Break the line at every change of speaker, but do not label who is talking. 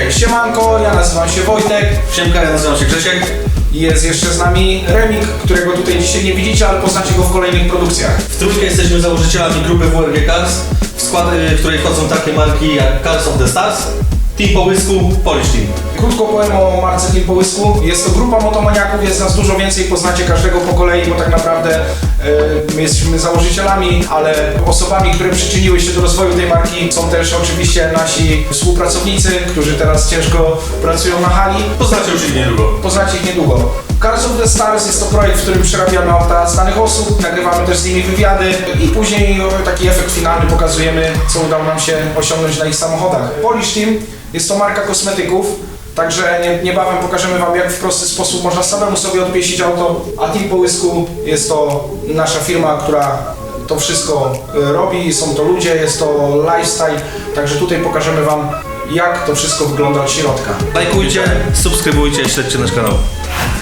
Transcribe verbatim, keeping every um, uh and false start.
Okej, okay, siemanko, ja nazywam się Wojtek.
Siemka, ja nazywam się Grzesiek.
Jest jeszcze z nami Remik, którego tutaj dzisiaj nie widzicie, ale poznacie go w kolejnych produkcjach.
W trójkę jesteśmy założycielami grupy W R G Cars, w skład w której wchodzą takie marki jak Cars of the Stars, Team Połysku, Polish Team.
Krótko powiem o marce Team Połysku. Jest to grupa motomaniaków, jest nas dużo więcej, poznacie każdego po kolei, bo tak naprawdę yy, my jesteśmy założycielami, ale osobami, które przyczyniły się do rozwoju tej marki są też oczywiście nasi współpracownicy, którzy teraz ciężko pracują na hali.
Poznacie już ich niedługo.
Poznacie ich niedługo. Cars of the Stars jest to projekt, w którym przerabiamy auta z danych osób, nagrywamy też z nimi wywiady i później taki efekt finalny pokazujemy, co udało nam się osiągnąć na ich samochodach. Polish Team jest to marka kosmetyków, także niebawem pokażemy Wam, jak w prosty sposób można samemu sobie odpieścić auto, a Team Połysku jest to nasza firma, która to wszystko robi, są to ludzie, jest to lifestyle, także tutaj pokażemy Wam, jak to wszystko wygląda od środka.
Lajkujcie, subskrybujcie, śledźcie nasz kanał.